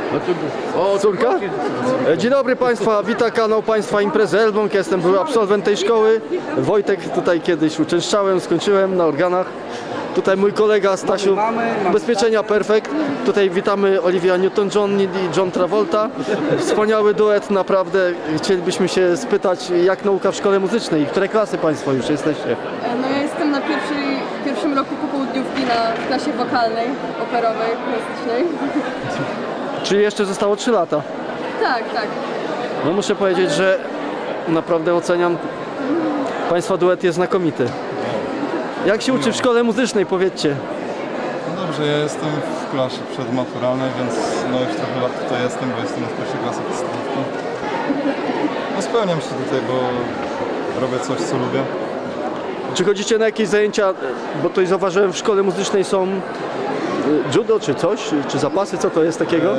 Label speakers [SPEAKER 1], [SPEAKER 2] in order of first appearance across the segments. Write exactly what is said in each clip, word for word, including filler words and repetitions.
[SPEAKER 1] O,
[SPEAKER 2] Córka? E, Dzień dobry Państwa, wita kanał Państwa Imprezy Elbląg. Ja jestem były absolwent tej szkoły. Wojtek, tutaj kiedyś uczęszczałem, skończyłem na organach. Tutaj mój kolega Stasiu, Ubezpieczenia Perfekt. Tutaj witamy Olivia Newton-John i John Travolta. Wspaniały duet, naprawdę. Chcielibyśmy się spytać, jak nauka w szkole muzycznej? Które klasy Państwo już jesteście?
[SPEAKER 3] No ja jestem na pierwszej, pierwszym roku popołudniówki na w klasie wokalnej, operowej, klasycznej.
[SPEAKER 2] Czyli jeszcze zostało trzy lata.
[SPEAKER 3] Tak, tak.
[SPEAKER 2] No muszę powiedzieć, że naprawdę oceniam. Państwa duet jest znakomity. Jak się uczy w szkole muzycznej, powiedzcie?
[SPEAKER 4] No dobrze, ja jestem w klasie przedmaturalnej, więc no już trochę lat tutaj jestem, bo jestem z pierwszej klasy podstawówki. No spełniam się tutaj, bo robię coś, co lubię.
[SPEAKER 2] Czy chodzicie na jakieś zajęcia, bo tutaj zauważyłem w szkole muzycznej są y, judo czy coś, czy zapasy, co to jest takiego?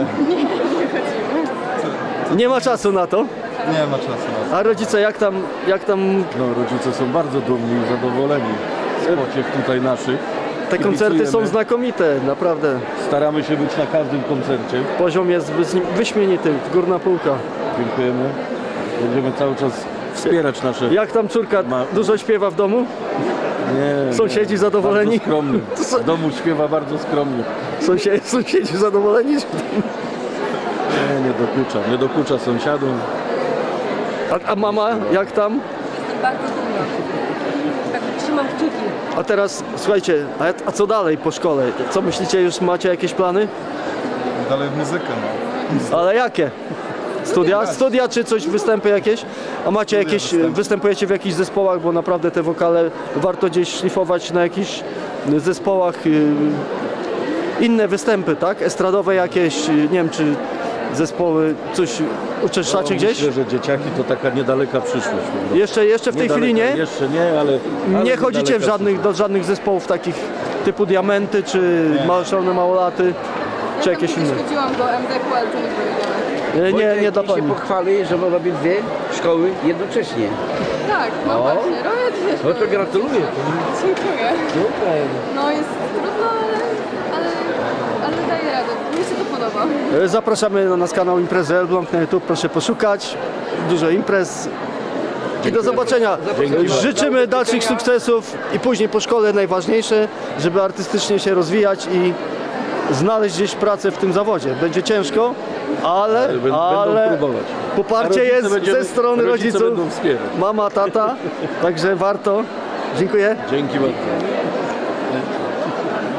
[SPEAKER 2] Nie ma czasu na to.
[SPEAKER 4] Nie ma czasu na to.
[SPEAKER 2] A rodzice jak tam, jak tam
[SPEAKER 1] No, rodzice są bardzo dumni i zadowoleni z pociech tutaj naszych.
[SPEAKER 2] te koncerty są
[SPEAKER 1] Kibicujemy.
[SPEAKER 2] znakomite, naprawdę.
[SPEAKER 1] Staramy się być na każdym koncercie.
[SPEAKER 2] Poziom jest wys- wyśmienity, górna półka.
[SPEAKER 1] Dziękujemy. Będziemy cały czas wspierać nasze...
[SPEAKER 2] Jak tam córka
[SPEAKER 1] Ma-
[SPEAKER 2] dużo śpiewa w domu?
[SPEAKER 1] Nie,
[SPEAKER 2] Sąsiedzi
[SPEAKER 1] nie.
[SPEAKER 2] zadowoleni?
[SPEAKER 1] Bardzo skromny. W domu śpiewa bardzo skromnie.
[SPEAKER 2] Sąsiedzi, sąsiedzi zadowoleni?
[SPEAKER 1] Nie, nie dokucza. Nie dokucza sąsiadom.
[SPEAKER 2] A, a mama jak tam?
[SPEAKER 3] Jestem bardzo dumna. Tak, trzymam kciuki.
[SPEAKER 2] A teraz słuchajcie, a, a co dalej po szkole? Co myślicie, już macie jakieś plany?
[SPEAKER 4] Dalej w muzykę, no.
[SPEAKER 2] Ale jakie? Studia? Studia czy coś, występy jakieś? A macie jakieś,
[SPEAKER 4] występy.
[SPEAKER 2] występujecie w jakichś zespołach, bo naprawdę te wokale warto gdzieś szlifować na jakichś zespołach. y, Inne występy, tak? Estradowe jakieś, y, nie wiem czy zespoły, coś uczęszczacie
[SPEAKER 1] No,
[SPEAKER 2] gdzieś?
[SPEAKER 1] Myślę, że dzieciaki to taka niedaleka przyszłość.
[SPEAKER 2] Jeszcze, jeszcze w tej chwili nie?
[SPEAKER 1] Jeszcze nie, ale... ale
[SPEAKER 2] Nie chodzicie w
[SPEAKER 1] niedaleka
[SPEAKER 2] żadnych, do żadnych zespołów takich typu Diamenty, czy Małe Szalone Małolaty, czy
[SPEAKER 3] Ja
[SPEAKER 2] jakieś
[SPEAKER 3] tam
[SPEAKER 2] inne?
[SPEAKER 3] kiedyś chodziłam do M D K, ale to nie powiedziałem.
[SPEAKER 2] Nie, nie, nie dla
[SPEAKER 5] Wojtek
[SPEAKER 2] pani.
[SPEAKER 5] się pochwali, że robi dwie szkoły jednocześnie.
[SPEAKER 3] Tak, no
[SPEAKER 5] O.
[SPEAKER 3] właśnie, robię dwie
[SPEAKER 5] No to
[SPEAKER 3] szkoły.
[SPEAKER 5] gratuluję.
[SPEAKER 3] Dziękuję.
[SPEAKER 5] Super.
[SPEAKER 3] No jest trudno, ale, ale, ale daję radę. Mi się to podoba.
[SPEAKER 2] Zapraszamy na nasz kanał Imprezy Elbląg na YouTube, proszę poszukać. Dużo imprez. I do zobaczenia. Życzymy dalszych sukcesów i później po szkole najważniejsze, żeby artystycznie się rozwijać i znaleźć gdzieś pracę w tym zawodzie. Będzie ciężko, ale,
[SPEAKER 1] Będą
[SPEAKER 2] ale
[SPEAKER 1] próbować. A
[SPEAKER 2] poparcie
[SPEAKER 1] rodzice
[SPEAKER 2] jest
[SPEAKER 1] będziemy-
[SPEAKER 2] ze strony
[SPEAKER 1] rodzice
[SPEAKER 2] rodziców.
[SPEAKER 1] będą wspierać.
[SPEAKER 2] Mama, tata, także warto. Dziękuję.
[SPEAKER 1] Dzięki bardzo.